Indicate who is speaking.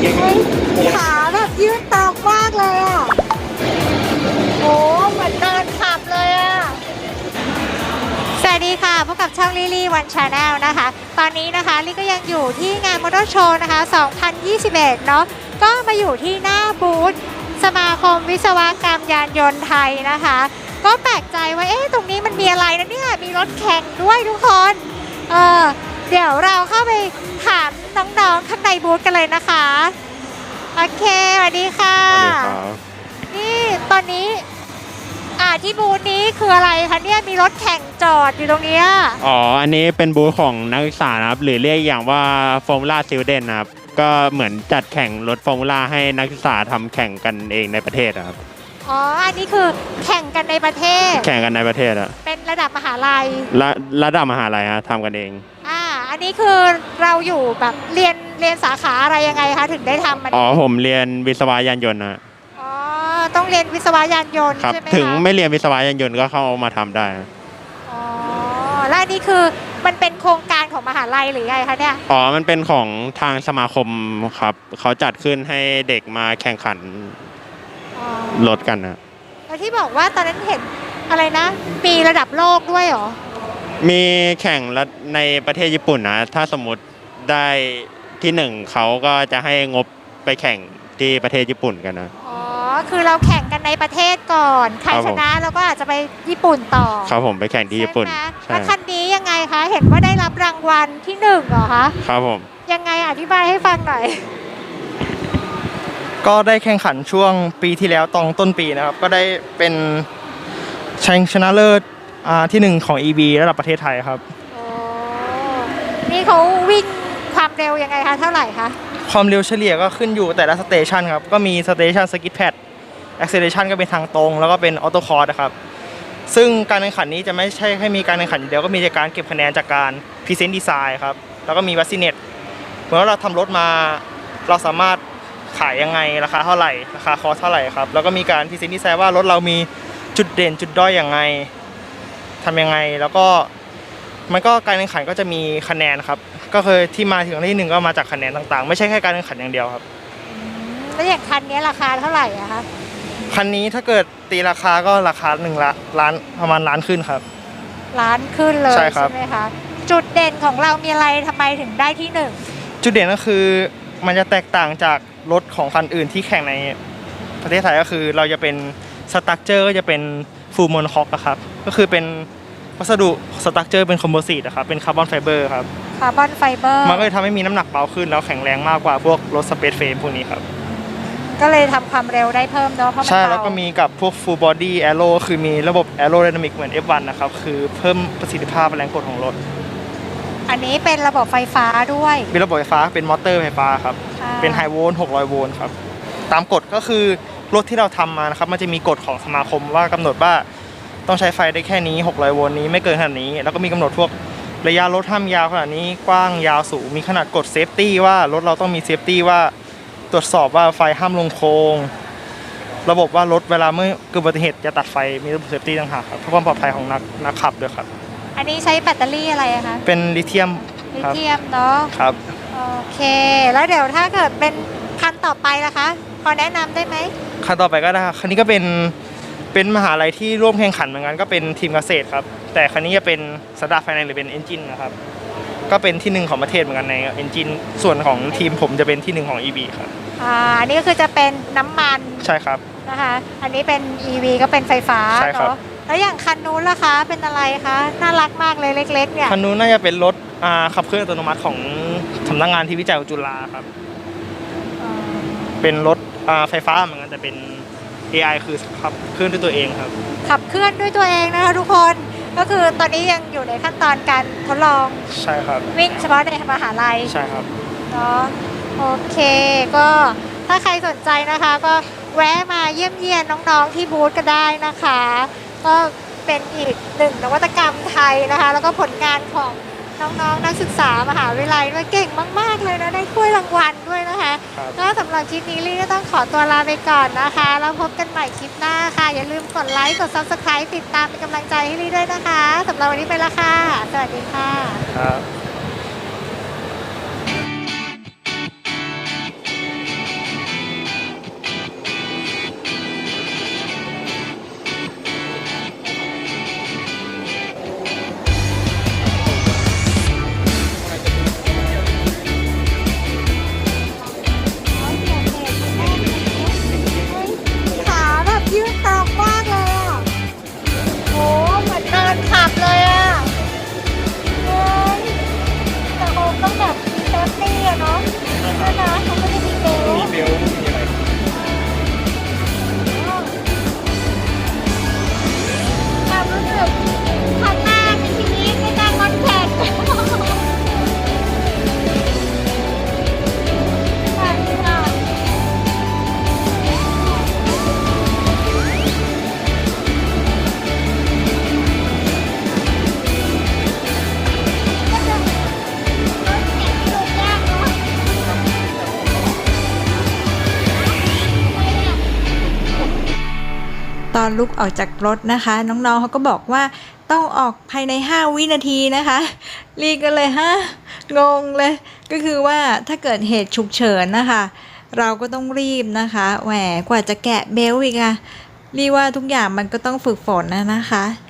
Speaker 1: เฮ้ยขาแบบยืดตามมากเลยอ่ะโอ้เหมือนเดินขับเลยอ่ะสวัสดีค่ะพบกับช่องลิลี่วันชาแนลนะคะตอนนี้นะคะลี่ก็ยังอยู่ที่งานมอเตอร์โชว์นะคะ2021เนาะก็มาอยู่ที่หน้าบูธสมาคมวิศวกรรมยานยนต์ไทยนะคะก็แปลกใจว่าตรงนี้มันมีอะไรนะเนี่ยมีรถแข่งด้วยทุกคนเดี๋ยวเราเข้าไปถามน้องๆข้างในบูธกันเลยนะคะโอเคสวัสดีค่ะ
Speaker 2: สวัสดีครับ
Speaker 1: นี่ตอนนี้ที่บูธนี้คืออะไรคะเนี่ยมีรถแข่งจอดอยู่ตรงนี้
Speaker 2: อ๋ออันนี้เป็นบูธของนักศึกษานะครับหรือเรียกอย่างว่าฟอร์มูล่าซิลเดนนะครับก็เหมือนจัดแข่งรถฟอร์มูล่าให้นักศึกษาทำแข่งกันเองในประเทศครับ
Speaker 1: อ๋ออันนี้คือแข่งกันในประเทศ
Speaker 2: แข่งกันในประเทศอะ
Speaker 1: เป็นระดับมหาลัย
Speaker 2: ระดับมหาลัยฮะทำกันเอง
Speaker 1: อันนี้คือเราอยู่แบบเรียนสาขาอะไรยังไงคะถึงได้ทำมัน
Speaker 2: อ๋อผมเรียนวิศวะยานยนต์นะ
Speaker 1: ต้องเรียนวิศวะยานยนต์
Speaker 2: ครับ
Speaker 1: ใช่ไหม
Speaker 2: ถึงไม่เรียนวิศวะยานยนต์ก็เข้ามาทำได้
Speaker 1: อ๋อแล้วอันนี้คือมันเป็นโครงการของมหาลัยหรือไงคะเนี่ย
Speaker 2: อ๋อมันเป็นของทางสมาคมครับเขาจัดขึ้นให้เด็กมาแข่งขันรถกันนะ
Speaker 1: แล้วที่บอกว่าตอนนั้นเห็นอะไรนะมีระดับโลกด้วยเหรอ
Speaker 2: มีแข่งในประเทศญี่ปุ่นนะถ้าสมมติได้ที่หนึ่งเขาก็จะให้งบไปแข่งที่ประเทศญี่ปุ่นกันนะ
Speaker 1: คือเราแข่งกันในประเทศก่อนใครชนะเราก็อาจจะไปญี่ปุ่นต่อ
Speaker 2: ครับผมไปแข่งที่ญี่ปุ่น
Speaker 1: แล้วคันนี้ยังไงคะเห็นว่าได้รับรางวัลที่หนึ่งเหรอคะ
Speaker 2: ครับผม
Speaker 1: ยังไงอธิบายให้ฟังหน่อย
Speaker 3: ก็ได้แข่งขันช่วงปีที่แล้วตอนต้นปีนะครับก็ได้เป็นชัยชนะเลิศที่หนึ่งของ EV ระดับประเทศไทยครับ
Speaker 1: นี่เขาวิ่งความเร็วยังไงคะเท่าไหร่คะ
Speaker 3: ความเร็วเฉลี่ยก็ขึ้นอยู่แต่ละสเตชันครับก็มีสเตชันสกิทแพดแอคเซเลชันก็เป็นทางตรงแล้วก็เป็นออโต้คอร์สนะครับซึ่งการแข่งขันนี้จะไม่ใช่แค่มีการแข่งขันอย่างเดียวก็มีการเก็บคะแนนจากการพรีเซนต์ดีไซน์ครับแล้วก็มีวัสซิเนตเหมือนว่าเราทำรถมาเราสามารถขายยังไงราคาเท่าไหร่ราคาคอสเท่าไหร่ครับแล้วก็มีการพรีเซนต์ดีไซน์ว่ารถเรามีจุดเด่นจุดด้อยยังไงทำยังไงแล้วก็มันก็การแข่งขันก็จะมีคะแนนครับก็คือที่มาถึงที่หนึ่งก็มาจากคะแนนต่างๆไม่ใช่แค่การแข่งขันอย่างเดียวครับ
Speaker 1: แล้วอย่างคันนี้ราคาเท่าไหร่อะคะ
Speaker 3: คันนี้ถ้าเกิดตีราคาก็ราคา1 ล้านประมาณล้านขึ้นครับ
Speaker 1: ล้านขึ้นเลย
Speaker 3: ใช่
Speaker 1: ไหมคะจุดเด่นของเรามีอะไรทำไมถึงได้ที่หนึ่ง
Speaker 3: จุดเด่นก็คือมันจะแตกต่างจากรถของคันอื่นที่แข่งในประเทศไทยก็คือเราจะเป็นสตรัคเจอร์ก็จะเป็นฟูลโมโนคอกครับก็คือเป็นวัสดุสตรัคเจอร์เป็นคอมโพสิตครับเป็นคาร์บอนไฟเบอร์ครับ
Speaker 1: คาร์บอนไฟเบอร์
Speaker 3: มันก็จะทำให้มีน้ำหนักเบาขึ้นแล้วแข็งแรงมากกว่าพวกรถสเปซเฟรมพวกนี้ครับ
Speaker 1: ก็เลยทำความเร็วได้เพิ่มเนาะเพราะมัน
Speaker 3: ใช่แล้วก็มีกับพวก full body aero คือมีระบบ aerodynamic เหมือน F1 นะครับคือเพิ่มประสิทธิภาพแรงกดของรถ
Speaker 1: อันนี้เป็นระบบไฟฟ้าด้วย
Speaker 3: เป็นระบบไฟฟ้าเป็นมอเตอร์ไฟฟ้าครับเป็นไฮโวลต์600 โวลต์ครับตามกฎก็คือรถที่เราทำมานะครับมันจะมีกฎของสมาคมว่ากำหนดว่าต้องใช้ไฟได้แค่นี้600 โวลต์นี้ไม่เกินขนาดนี้แล้วก็มีกำหนดพวกระยะรถห้ามยาวขนาดนี้กว้างยาวสูงมีขนาดกฎเซฟตี้ว่ารถเราต้องมีเซฟตี้ว่าตรวจสอบว่าไฟห้ามลงโค้งระบบว่ารถเวลาเมื่อเกิดอุบัติเหตุจะตัดไฟมีระบบเซฟตี้ต่างหากครับเพื่อความปลอดภัยของนักขับด้วยครับ
Speaker 1: อันนี้ใช้แบตเตอรี่อะไรคะ
Speaker 3: เป็นลิเธียม
Speaker 1: เนาะ
Speaker 3: ครับ
Speaker 1: โอเคแล้วเดี๋ยวถ้าเกิดเป็นคันต่อไปล่ะคะพอแนะนำได้ไหม
Speaker 3: คันต่อไปก็ได้คันนี้ก็เป็นมหาลัยที่ร่วมแข่งขันเหมือนกันก็เป็นทีมเกษตรครับแต่คันนี้จะเป็นสตาร์ทไฟแนนซ์หรือเป็นเอนจินนะครับก็เป็นที่หนึ่งของประเทศเหมือนกันในเอนจินส่วนของทีมผมจะเป็นที่หนึ่งของ EV ครับ
Speaker 1: อันนี้ก็คือจะเป็นน้ำมัน
Speaker 3: ใช่ครับ
Speaker 1: นะคะอันนี้เป็น EV ก็เป็นไฟฟ้า
Speaker 3: เนาะ
Speaker 1: แล้วอย่างคันนู้นล่ะคะเป็นอะไรคะน่ารักมากเลยเล็กๆเนี่ย
Speaker 3: คันนู้นน่าจะเป็นรถขับเคลื่อนอัตโนมัติของสำนักงานที่วิจัยของจุฬาครับเป็นรถไฟฟ้าเหมือนกันแต่เป็น AI คือขับเคลื่อนด้วยตัวเองครับ
Speaker 1: ขับเคลื่อนด้วยตัวเองนะคะทุกคนก็คือตอนนี้ยังอยู่ในขั้นตอนการทดลอง
Speaker 3: ใช่ครับ
Speaker 1: วิ่งเฉพาะในมหาลัย
Speaker 3: ใช่ครับ
Speaker 1: เนาะโอเคก็ถ้าใครสนใจนะคะก็แวะมาเยี่ยมเยียนน้องๆที่บูธก็ได้นะคะก็เป็นอีกหนึ่งนวัตกรรมไทยนะคะแล้วก็ผลงานของน้องๆนักศึกษามหาวิทยาลัยด้วยเก่งมากๆเลยนะได้ถ้วยรางวัลด้วยนะคะก็สำหรับคลิปนี้ลี่ก็ต้องขอตัวลาไปก่อนนะคะแล้วพบกันใหม่คลิปหน้าค่ะอย่าลืมกดไลค์กด Subscribe ติดตามเป็นกำลังใจให้ลี่ด้วยนะคะสำหรับวันนี้ไปละค่ะสวัสดีค่ะ
Speaker 3: ครับ
Speaker 1: ด้วยนะเขาไม่ได้มีเบล
Speaker 3: มีเบลมีอะไร
Speaker 1: ความรู้สึกครั้งแรกในชีวิตในการรถแข่งใช่ค่ะก็จะรถแข่งที่ดูยากเนาะ
Speaker 4: ตอนลุกออกจากรถนะคะ น้องๆเขาก็บอกว่าต้องออกภายใน5 วินาทีนะคะลีก็เลยงงเลยก็คือว่าถ้าเกิดเหตุฉุกเฉินนะคะเราก็ต้องรีบนะคะแหมกว่าจะแกะเบลต์อีกอะลีว่าทุกอย่างมันก็ต้องฝึกฝนนะคะ